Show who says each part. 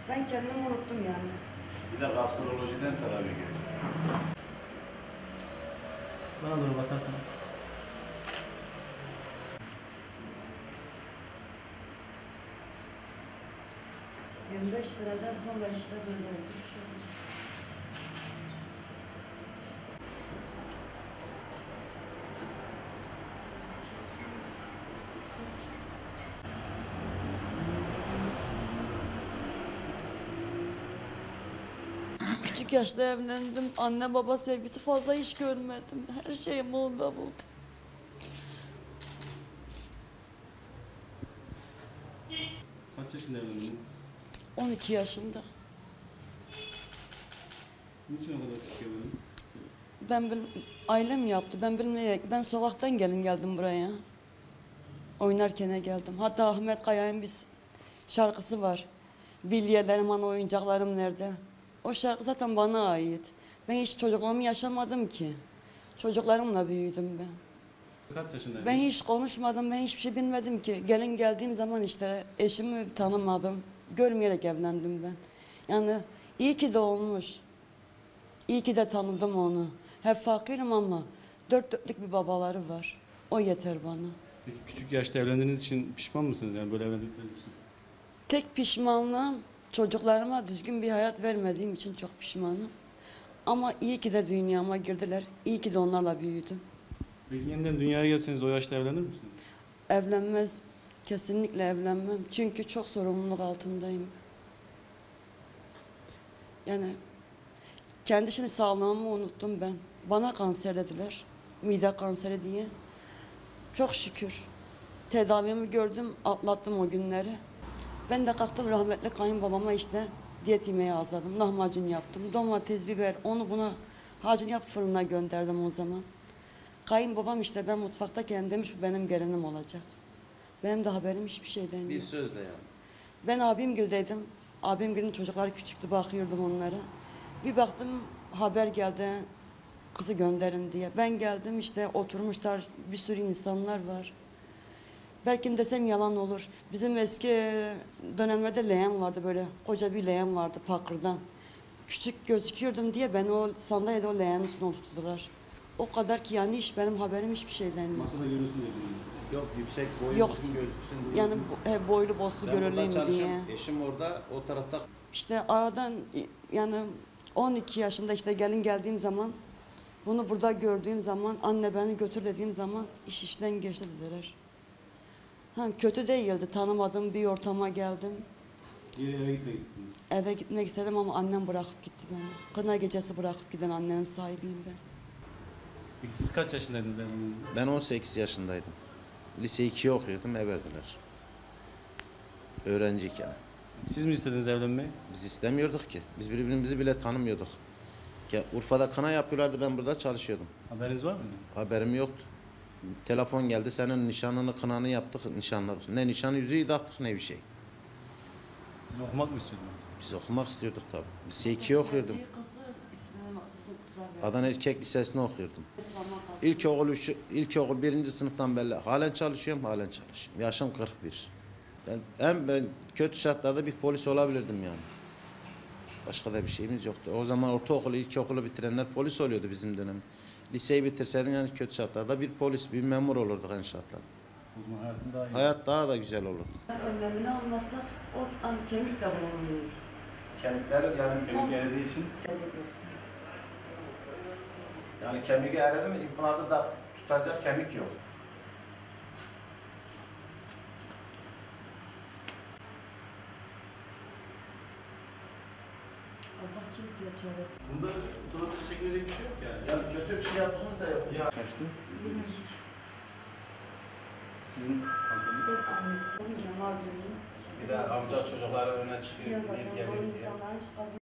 Speaker 1: Ben kendimi unuttum yani.
Speaker 2: Bir de gastrolojiden tedavi görüyor.
Speaker 3: Bana doğru bakarsanız.
Speaker 1: 25 seneden sonra işte böyle oldu. Küçük yaşta evlendim. Anne baba sevgisi fazla hiç görmedim. Her şeyimi onda buldum.
Speaker 3: Kaç yaşında evlendiniz?
Speaker 1: 12 yaşında.
Speaker 3: Niçin o kadar küçük evlendiniz?
Speaker 1: Ailem yaptı. Ben bilmeyerek, ben sokaktan geldim buraya. Oynarken geldim. Hatta Ahmet Kaya'nın bir şarkısı var. Bilyelerim, ana oyuncaklarım nerede? O şarkı zaten bana ait. Ben hiç çocukluğumu yaşamadım ki. Çocuklarımla büyüdüm ben.
Speaker 3: Kaç yaşındaydınız?
Speaker 1: Ben hiç konuşmadım, ben hiçbir şey bilmedim ki. Geldiğim zaman işte eşimi tanımadım. Görmeyerek evlendim ben. Yani iyi ki de olmuş. İyi ki de tanıdım onu. Hep fakirim ama dört dörtlük bir babaları var. O yeter bana.
Speaker 3: Peki küçük yaşta evlendiğiniz için pişman mısınız yani böyle evlendikleriniz için?
Speaker 1: Tek pişmanlığım çocuklarıma düzgün bir hayat vermediğim için çok pişmanım. Ama iyi ki de dünyama girdiler. İyi ki de onlarla büyüdüm.
Speaker 3: Peki yeniden dünyaya gelseniz o yaşta evlenir misiniz?
Speaker 1: Evlenmez, kesinlikle evlenmem. Çünkü çok sorumluluk altındayım. Yani kendi şimdi sağlığımı unuttum ben. Bana kanser dediler. Mide kanseri diye. Çok şükür. Tedavimi gördüm, atlattım o günleri. Ben de kalktım rahmetli kayınbabama işte diyet yemeği hazırladım. Lahmacun yaptım. Domates, biber, onu buna harcını yap fırına gönderdim o zaman. Kayınbabam işte ben mutfaktayken demiş bu benim gelinim olacak. Benim de haberim hiçbir şeyden yok.
Speaker 2: Bir sözle yani.
Speaker 1: Ben abimgildeydim. Abimgilin çocukları küçüktü, bakıyordum onlara. Bir baktım haber geldi kızı gönderin diye. Ben geldim işte oturmuşlar bir sürü insanlar var. Belki desem yalan olur. Bizim eski dönemlerde leğen vardı böyle koca bir leğen vardı pakırdan. Küçük gözüküyordum diye beni o sandalyede o leğenin üstüne oturttular. O kadar ki yani hiç benim haberim hiçbir şeyden yok.
Speaker 3: Masada görünsün dediniz.
Speaker 2: Yok yüksek boyun
Speaker 1: Yok,
Speaker 2: uzun gözüksün.
Speaker 1: yani boylu boslu
Speaker 2: Ben burada
Speaker 1: görüleyim diye.
Speaker 2: çalışıyorum. Eşim orada, o tarafta.
Speaker 1: İşte aradan yani 12 yaşında işte geldiğim zaman bunu burada gördüğüm zaman anne beni götür dediğim zaman iş işten geçti dediler. Ha, kötü değildi, tanımadığım bir ortama geldim.
Speaker 3: Geri eve gitmek istediniz.
Speaker 1: Eve gitmek istedim ama annem bırakıp gitti beni. Kına gecesi bırakıp giden annenin sahibiyim ben.
Speaker 3: Peki siz kaç yaşındaydınız evlendiğinizde?
Speaker 2: Ben 18 yaşındaydım. Lise 2'yi okuyordum, ev verdiler. Öğrenciyken.
Speaker 3: Siz mi istediniz evlenmeyi?
Speaker 2: Biz istemiyorduk ki. Biz birbirimizi bile tanımıyorduk. Ya Urfa'da kına yapıyorlardı, ben burada çalışıyordum.
Speaker 3: Haberiniz var mı?
Speaker 2: Haberim yoktu. Telefon geldi, senin nişanını, kınanı yaptık, nişanladık. Ne nişan yüzüğü taktık ne bir şey.
Speaker 3: Siz okumak mı istiyordunuz?
Speaker 2: Biz okumak istiyorduk tabii. Lise 2'yi okuyordum.
Speaker 1: Sevdiği kızı ismini bizim kıza verdi.
Speaker 2: Adana Erkek Lisesi'ni okuyordum.
Speaker 1: İslam'a kalktı.
Speaker 2: İlkokul 1. sınıftan beri halen çalışıyorum, halen çalışıyorum. Yaşım 41. Ben kötü şartlarda bir polis olabilirdim yani. Başka da bir şeyimiz yoktu. O zaman ortaokulu, ilkokulu bitirenler polis oluyordu bizim dönem. Liseyi bitirseydin yani kötü şartlarda bir polis, bir memur olurduk en şartlarda.
Speaker 3: O zaman hayatın daha iyi.
Speaker 2: Hayat daha da güzel olurdu.
Speaker 1: Önlemini almasak o an kemik de bulunmuyor.
Speaker 2: Kemikler yani
Speaker 3: Kemik eridiği için
Speaker 1: Gelecek yoksa.
Speaker 2: yani kemiği eridi mi implantı da tutacak kemik yok.
Speaker 1: Allah kimseye çaresi.
Speaker 3: bunda fotoğrafı çekilecek bir şey yok yani.
Speaker 2: Yani kötü bir şey yaptığımız da yok.
Speaker 3: Kaçtı? Sizin hanımefendi?
Speaker 1: Ben annesi, onun mardini.
Speaker 2: Bir de amca çocukları öne çıkıyor.
Speaker 1: Ya zaten o insanlar hiç